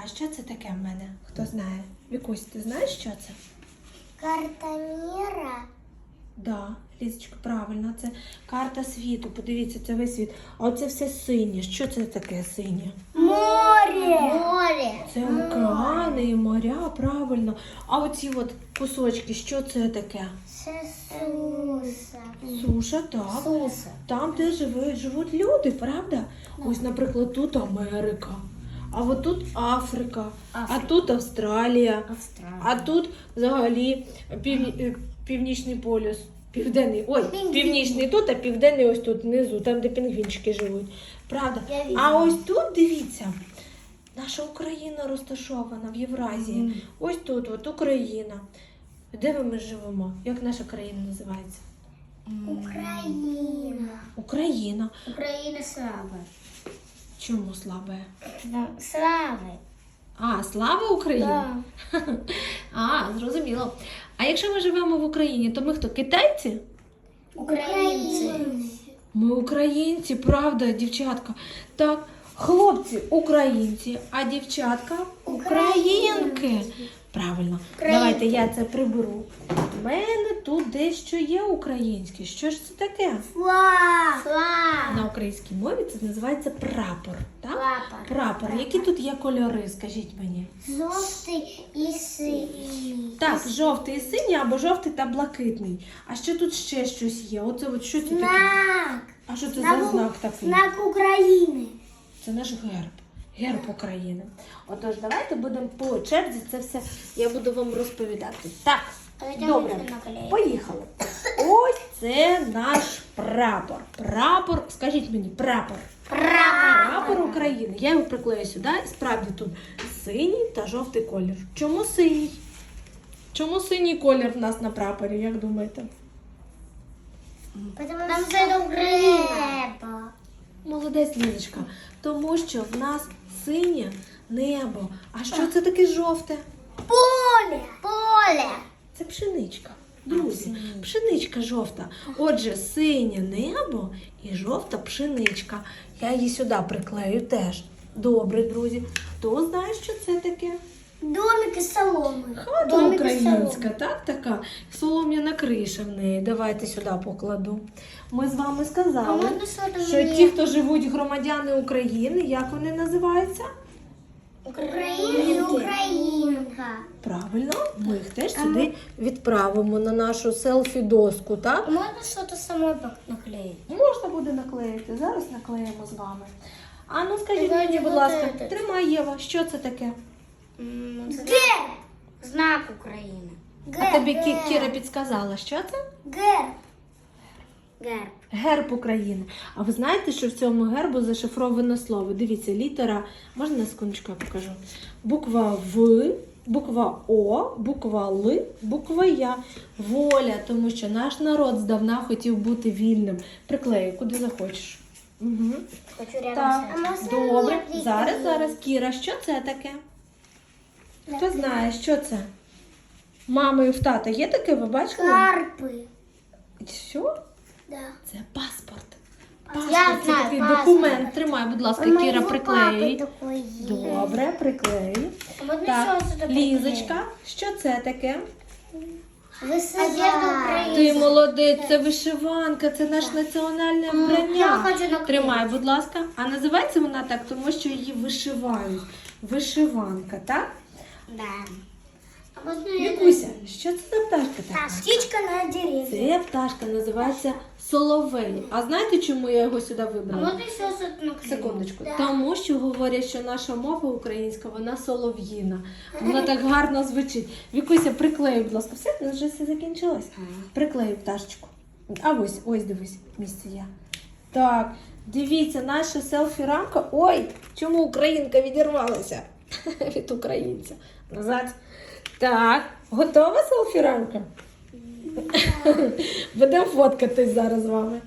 що це таке в мене? Хто знає? Вікусь, ти знаєш, що це? Карта мира. Да, Лізочка, правильно, це карта світу. Подивіться, це весь світ. А оце все синє. Що це таке синє? Море. Море. Це океани і моря, правильно. А оці от кусочки, що це таке? Це суса. Суша, так. Суса. Там, де живуть люди, правда? Ось, наприклад, тут Америка, а от тут Африка, а тут Австралія, а тут взагалі північний полюс. Південний, північний тут, а південний ось тут внизу, там, де пінгвінчики живуть. Правда? А ось тут, дивіться, наша Україна розташована в Євразії. Ось тут, от Україна. Де ми живемо? Як наша країна називається? Україна. Україна. Україна слава. Чому слабе? Слави. А, слава Україні? А, зрозуміло. А якщо ми живемо в Україні, то ми хто? Китайці? Українці. Ми українці, правда, дівчатка? Так, хлопці українці, а дівчатка українки. Правильно. Давайте я це приберу. У мене тут дещо є українське. Що ж це таке? Флаг. На українській мові це називається прапор. Так? Прапор. Які тут є кольори, скажіть мені? Жовтий і синій. Так, жовтий і синій або жовтий та блакитний. А що тут ще щось є? Оце от що це таке? Знак. А що це за знак такий? Знак України. Це наш герб. Герб України. Отож, давайте будемо по черзі це все, я буду вам розповідати. Так, добре, поїхали. Ось це наш прапор. Прапор, скажіть мені, прапор. Прапор України. Я його приклею сюди. І справді тут синій та жовтий колір. Чому синій? Чому синій колір в нас на прапорі, як думаєте? Там це Україна. Молодець, Лізочка. Тому що в нас синє небо. А що це таке жовте? Поле. Поле. Це пшеничка. Друзі, пшеничка жовта. Отже, синє небо і жовта пшеничка. Я її сюди приклею теж. Добре, друзі. Хто знає, що це таке? Домик із соломи. Хата українська, так, така. Солом'яна криша в неї. Давайте сюди покладу. Ми з вами сказали, що ті, хто живуть громадяни України, як вони називаються? Українка. Правильно, ми їх теж сюди відправимо на нашу селфі-доску, так? Можна щось самой наклеїти? Можна буде наклеїти. Зараз наклеїмо з вами. А ну скажіть Давайте мені, будь вот ласка, этот. тримай, Єва, що це таке? Герб. Знак України. А тобі Кіра підсказала, що це? Герб. Герб. Герб України. А ви знаєте, що в цьому гербу зашифровано слово? Дивіться, літера, можна на секундочку я покажу? Буква В, буква О, буква Л, буква Я. Воля, тому що наш народ здавна хотів бути вільним. Приклею, куди захочеш. Угу. Хочу рядом Так, добре. Зараз. Кіра, що це таке? Хто знає, що це? Мами і в тата є таке, ви бачили? Карпи. Що? Да. Це паспорт. Я Паспорт це знаю, такий паспорт. документ. Тримай, будь ласка, У Кіра, моего приклеюй. папы такой есть. Добре, приклеюй. А можно Так, еще что-то Лізочка, що це таке? Вышиванка. Ти молодець, це вишиванка, це наше національне Я вбрання. хочу наклеїти. Тримай, будь ласка. А називається вона так, тому що її вишивають. Вишиванка, так? Да. А можно я... Вікуся, що це за пташка така? Птичка на деревья. Це пташка називається соловей. А знаєте, чому я його сюди А вибрала? можно еще что-то наклеить? Секундочку. Да. Тому що говорять, що наша мова українська, вона солов'їна. Вона так гарно звучить. Вікуся, приклею, будь ласка. Все, вже все закінчилось. Приклею пташечку. А ось дивись, місце є. Так, дивіться, наша селфі-рамка. Ой, чому українка відірвалася від українця? Назад. Так, готова селфі-рамка? Будемо фоткатись зараз з вами.